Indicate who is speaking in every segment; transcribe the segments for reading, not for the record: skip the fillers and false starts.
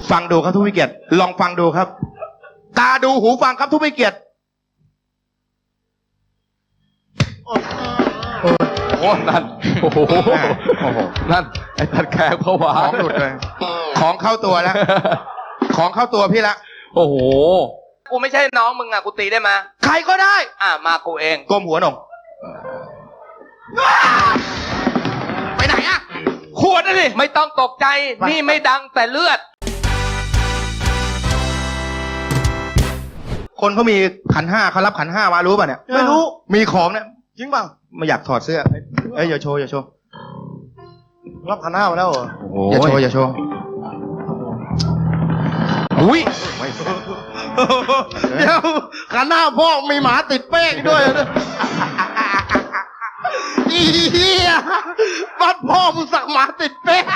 Speaker 1: ฟังดูครับทุกวิเกียรติลองฟังดูครับ ตาดูหูฟังครับทุกวิเกียรติ
Speaker 2: โอ้นั่นโอ้โหนั่นไอ้ตัดแขกผวา
Speaker 1: ของหลุดเลยของเข้าตัวแล้วของเข้าตัวพี่ละ
Speaker 2: โอ้โห
Speaker 3: กูไม่ใช่น้องมึงอ่ะกูตีได้มา
Speaker 1: ใครก็ได้
Speaker 3: มากูเอง
Speaker 1: ก้มหัวหน่งไปไหนอะขวดนะดิ
Speaker 3: ไม่ต้องตกใจนี่ไม่ดังแต่เลือด
Speaker 1: คนเขามีขันห้าเขารับขันห้ามารู้ป่ะเนี่ย
Speaker 4: ไม่รู้
Speaker 1: มีของเนี่ย
Speaker 4: จริงเปล่า
Speaker 1: ไม่อยากถอดเสื้อเอ้ยอย่าโชว์อย่าโชว์
Speaker 4: รับขันห้ามาแล้วเหรอ
Speaker 1: อย่าโชว์อย่าโชว์อุ้ย
Speaker 4: เดี๋ยวขันห้าพ่อมีหมาติดเป้งด้วยอีเหี้ยบ้านพ่อมึงสักหมาติดเป้ง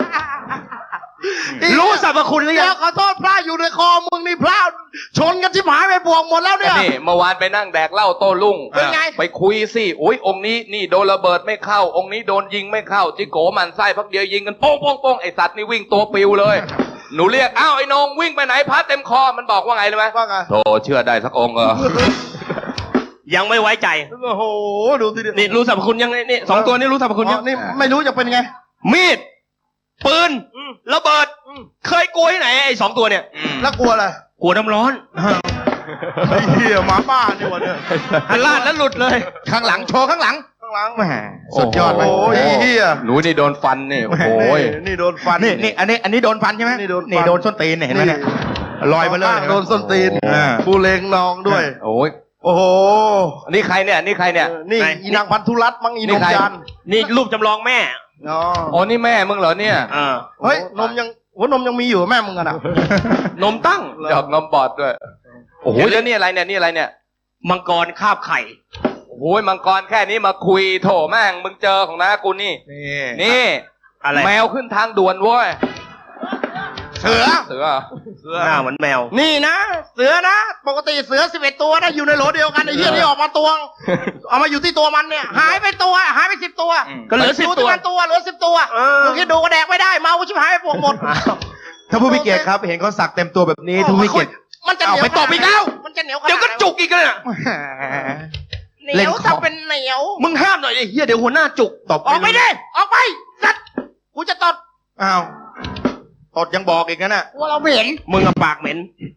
Speaker 1: รู้สรรพคุณหรือยัง
Speaker 4: ขอโทษพระอยู่ในคอมึงนี่พระชนกันที่หมายไปบวกหมดแล้วเนี่ย
Speaker 3: นี่เมื่อวานไปนั่งแดกเหล้าโต้รุ่ง
Speaker 4: เป็นไง
Speaker 3: ไปคุยสิอุ้ยองค์นี้นี่โดนระเบิดไม่เข้าองค์นี้โดนยิงไม่เข้าจิโกมันไส้พักเดียวยิงกันโป้งโป้งโป้งไอสัตว์นี่วิ่งตัวปิวเลยหนูเรียกอ้าวไอ้นงวิ่งไปไหนพัดเต็มคอมันบอกว่าไงรู้ไหม
Speaker 4: ว่าไง
Speaker 3: โธ่เชื่อได้สักองค์
Speaker 1: ยังไม่ไว้ใจ
Speaker 4: โอ้โหดูสิ
Speaker 1: นี่รู้สรรพคุณยังนี่สองตัวนี้รู้สรรพคุณยัง
Speaker 4: นี่ไม่รู้จะเป็นไง
Speaker 1: มีดปืนระเบิดเคยกลัวที่ไหนไอ้สองตัวเนี่ย
Speaker 4: แล้วกลัวอะไร
Speaker 1: กลัวน้ำร้อน
Speaker 4: ไอ้เหี้ยหมาบ้านี่วะเนี่ย
Speaker 1: หันลาดแล้วหลุดเลยข้างหลังโชว์ข้างหลังแหมสุดยอดไป
Speaker 4: โอ้ยเหี้ย
Speaker 3: หนูนี่โดนฟันนี่โอ้ย
Speaker 4: นี่โดนฟัน
Speaker 1: นี่อันนี้โดนฟันใช่ไหมนี่โดนส้นตีนเห็นไหมเนี่ยลอยมาเลย
Speaker 4: โดนส้นตีนบูเลงนองด้วย
Speaker 3: โอ้ย
Speaker 4: โอ้โห
Speaker 3: นี่ใครเนี่ยนี่ใครเนี่ย
Speaker 4: นี่อีนางพันธุรัตน์มั้งอีนมจัน
Speaker 1: นี่รูปจำลองแม่
Speaker 3: อ๋อนี่แม่มึงเหรอเนี่ย
Speaker 4: เฮ้ยนมยังมีอยู่แม่มึงอะนะ
Speaker 1: นมตั้ง
Speaker 3: ดอกนมบอดด้วยโอ้โหแล้วนี่อะไรเนี่ยนี่อะไรเนี่ย
Speaker 1: มังกรคาบไข่
Speaker 3: โอ้ยมังกรแค่นี้มาคุยโถแม่งมึงเจอของน้ากูนี่
Speaker 1: อะไร
Speaker 3: แมวขึ้นทางด่วนเว้ย
Speaker 1: เสือ
Speaker 4: หน้าเหมือนแมวนี่นะเสือนะปกติเสือ11ตัวนะอยู่ในโหลเดียวกันไอ้เหี้ยนี่ออกมาตวงเอามาอยู่ที่ตัวมันเนี่ยหายไป10ตัว
Speaker 1: ก็เหลือ10
Speaker 4: ตัวเหลือ10ตัวมึงคิดดูก็แดกไม่ได้เมาชิบหายไปพวกหมด
Speaker 1: ถ้าผู้พิเกียรติครับเห็นเขาสักเต็มตัวแบบนี้ทุกพิเกียรติ
Speaker 4: มันจะเหนียว
Speaker 1: ไปตบอีกแล้ว
Speaker 4: มันจะเหนียว
Speaker 1: เดี๋ยวก็จุกอีกเลย
Speaker 4: เหนียวถ้าเป็นเหนียว
Speaker 1: มึงห้ามหน่อยไอ้เหี้ยเดี๋ยวหัวหน้าจุกตบ
Speaker 4: ออกไปดิออกไปสัตว์กูจะตด
Speaker 1: อ้าวตดยังบอกอีกนะ
Speaker 4: ว่าเราเหม็น
Speaker 1: มึงกับปากเหม็น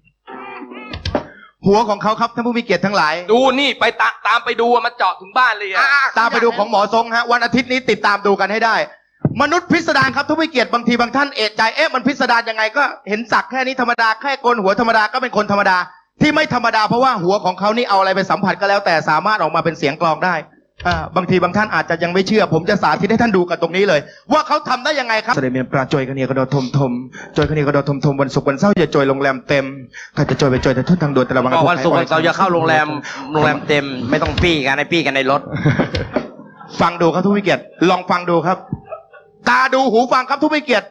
Speaker 1: หัวของเขาครับท่านผู้มีเกียรติทั้งหลาย
Speaker 3: ดูนี่ไปตามไปดูมาเจาะถึงบ้านเลย
Speaker 1: ตามไปดูของหมอทรงฮะวันอาทิตย์นี้ติดตามดูกันให้ได้มนุษย์พิสดารครับทุกวิเกียรติบางทีบางท่านเอะใจมันพิสดารยังไงก็เห็นสักแค่นี้ธรรมดาแค่โกนหัวธรรมดาก็เป็นคนธรรมดาที่ไม่ธรรมดาเพราะว่าหัวของเขานี่เอาอะไรไปสัมผัสก็แล้วแต่สามารถออกมาเป็นเสียงกลองได้บางทีบางท่านอาจจะยังไม่เชื่อผมจะสาธิตให้ท่านดูกันตรงนี้เลยว่าเขาทำได้ยังไงครับเสด็จเมียนปลาจอยกันเนียกระโดดทมจอยกันเนียกระโดดทมวันศุกร์วันเสาร์อย่าจอยโรงแรมเต็มใครจะจอยไปจอยแต่ทุ่นทางด่วนแต่ละวัน
Speaker 3: วันศุกร์วันเสาร์อย่าเข้าโรงแรมเต็มไม่ต้องปี้กันในรถ
Speaker 1: ฟังดูครับทุกวิเกียรติลองฟังดูครับตาดูหูฟังครับทุกวิเกียรติ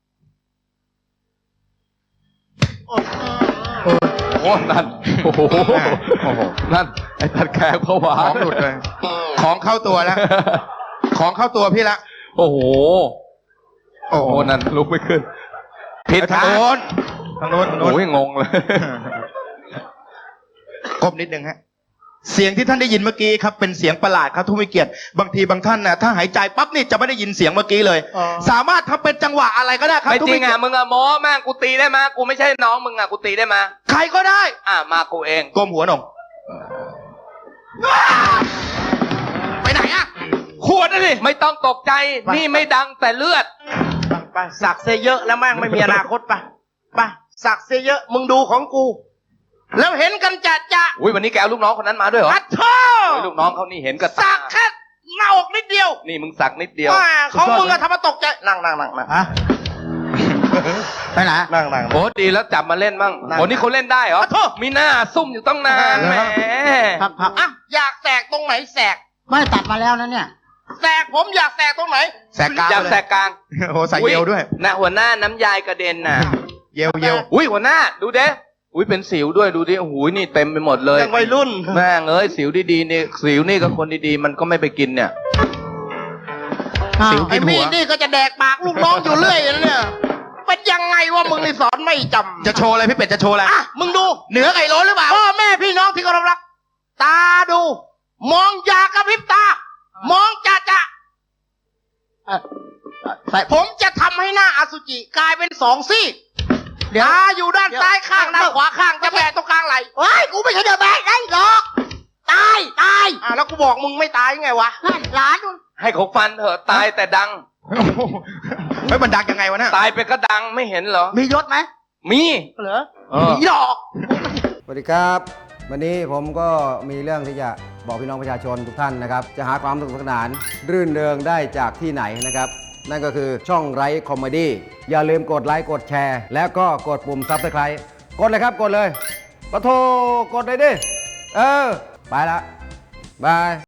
Speaker 2: โอ้นั่นโอ้โหนั่นไอ้ตัดแขกผวา
Speaker 1: ของหลุดเลยของเข้าตัวแล้วของเข้าตัวพี่ละ
Speaker 2: โอ้โหนั่นลุกไม่ขึ้น
Speaker 1: ผิดทางโน้น
Speaker 2: โอ้ยงงเลย
Speaker 1: ก้มนิดนึงฮะเสียงที่ท่านได้ยินเมื่อกี้ครับเป็นเสียงประหลาดครับทุกวิเกียรติบางทีบางท่านนะถ้าหายใจปั๊บนี่จะไม่ได้ยินเสียงเมื่อกี้เลยสามารถทำเป็นจังหวะอะไรก็ได้ครับ
Speaker 3: ไม่จริงมึงโม้แม่งกูตีได้มากูไม่ใช่น้องมึงกูตีได้มา
Speaker 1: ใครก็ได้
Speaker 3: มากูเอง
Speaker 1: ก้มหัวหน่งไปไหนอะขวดนะดิ
Speaker 3: ไม่ต้องตกใจนี่ไม่ดังแต่เลือด
Speaker 4: ไปสักเสียเยอะแล้วแม่งไม่มีอนาคตไปสักเสียเยอะมึงดูของกูแล้วเห็นกันจะ
Speaker 3: อุ้ยวันนี้แกเอาลูกน้องคนนั้นมาด้วยเหรอ
Speaker 4: อัดท่อ
Speaker 3: ลูกน้องเขานี่เห็นกับ
Speaker 4: สักแค่หน้าอกนิดเดียว
Speaker 3: นี่มึงสักนิดเดียว
Speaker 4: เขามึงทำมาตกใจนั่งฮะ
Speaker 1: ไปไหน
Speaker 4: นั่ง
Speaker 3: โอ้ดีแล้วจับมาเล่นบ้างโอ้นี่เขาเล่นได้เหรอมีหน้าซุ่มอยู่ตั้งนานแหม
Speaker 4: พักอยากแสกตรงไหนแสก
Speaker 5: ไม่ตัดมาแล้วนะเนี่ย
Speaker 4: แสกผมอยากแสกตรงไหน
Speaker 1: แสกกลาง
Speaker 3: อยากแสกกลาง
Speaker 1: โอ้ใส่เยลด้วย
Speaker 3: นะหัวหน้าน้ำยายกระเด็นน่ะ
Speaker 1: เยล
Speaker 3: อุ้ยหัวหน้าดูเด้อุ้ยเป็นสิวด้วยดูดิหูยนี่เต็มไปหมดเลย
Speaker 4: ยังวัยรุ่น
Speaker 3: แม่งสิวดีๆนี่สิวนี่กับคนดีๆมันก็ไม่ไปกินเนี่ย
Speaker 4: สิวกินหัวนี่ก็จะแดกปากลูกน้องอยู่เรื่อยนะเนี่ยเป็นยังไงวว่ามึงนี่สอนไม่จำ
Speaker 1: จะโชว์อะไรพี่เป็ดจะโชว์อะไร
Speaker 4: อ่ะมึงดู
Speaker 1: เหนือไก่โล้นหรือเปล่า
Speaker 4: พ่อแม่พี่น้องที่เคารพรัก ตาดู มองอย่ากระพริบตา มองจะผมจะทำให้หน้าอสุจิกลายเป็นสองซี่ตาอยู่ด้านซ้ายข้างด้านขวาข้างจะแบะตรงกลางไหลเฮ้ยกูไม่ใช่เดอะแบกได้หรอกตายแล้วกูบอกมึงไม่ตายไงวะนั่นหลานนู่น
Speaker 3: ให้เขาฟันเถอะตายแต่ดัง
Speaker 1: เฮ้ยมันดังยังไงวะเนี่ย
Speaker 3: ตายไปก็ดังไม่เห็นเหรอ
Speaker 4: มียศไหม
Speaker 3: มี
Speaker 4: เหรอ
Speaker 3: เออ
Speaker 4: มีหรอก
Speaker 5: สวัสดีครับ วันนี้ผมก็มีเรื่องที่จะบอกพี่น้องประชาชนทุกท่านนะครับ จะหาความสนุกสนานรื่นเริงได้จากที่ไหนนะครับ นั่นก็คือช่องไร้คอมเมดี้อย่าลืมกดไลค์กดแชร์ แล้วก็กดปุ่มซับสไครต์กดเลยครับกดเลยปะโทกดเลยดิ ไปละบาย